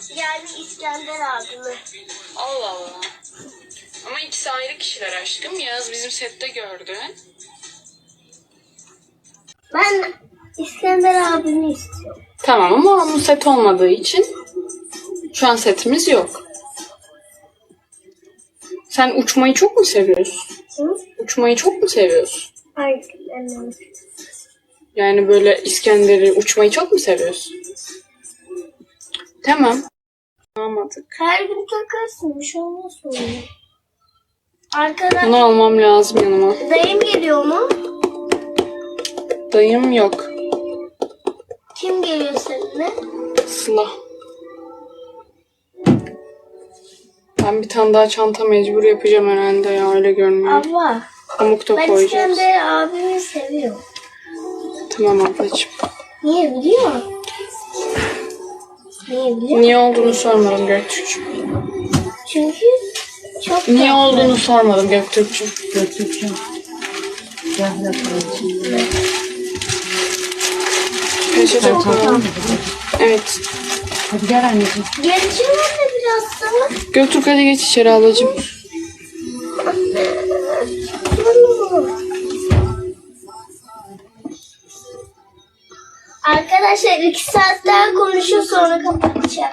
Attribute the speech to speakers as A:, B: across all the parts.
A: Yani İskender abimi.
B: Allah Allah. Ama ikisi ayrı kişiler aşkım. Yağız bizim sette gördü.
A: Ben İskender abimi istiyorum.
B: Tamam ama onun set olmadığı için şu an setimiz yok. Sen uçmayı çok mu seviyorsun?
A: Hı?
B: Uçmayı çok mu seviyorsun?
A: Hayır, annem.
B: Yani böyle İskender'i uçmayı çok mu seviyorsun? Tamam. Almadık.
A: Her gün takarsın, bir şey olmaz sonra. Arkadaş,
B: Bunu almam lazım yanıma.
A: dayım geliyor mu?
B: Dayım yok.
A: Kim geliyor seninle?
B: Sıla. Ben bir tane daha çanta mecbur yapacağım herhalde ya, öyle görünüyor.
A: Abla,
B: Pamuk da
A: ben
B: koyacağız.
A: İskender abimi seviyorum.
B: Tamam ablacığım.
A: Niye biliyor musun? Niye biliyor musun?
B: Niye olduğunu sormadım Göktürk'cüğüm.
A: Çünkü çok
B: Niye
A: tatlı.
B: olduğunu sormadım Göktürk'cüğüm.
C: Göktürk'cüğüm. Gel bakalım şimdi.
B: Peçete koyalım. Evet.
C: Hadi gel anneciğim.
A: Geleceğim anne biraz sana.
B: Göktürk hadi geç içeri ablacığım.
A: Arkadaşlar 2 saat daha konuşuyor sonra kapatacağım.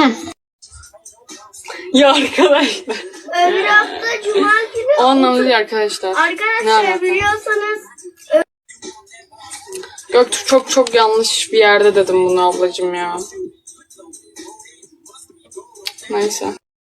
B: Ya arkadaşlar.
A: Öbür hafta cuma günü.
B: O anlamda değil arkadaşlar. Ne
A: Arkadaşlar
B: alaka?
A: biliyorsanız
B: Göktürk çok yanlış bir yerde dedim bunu ablacığım ya. Neyse.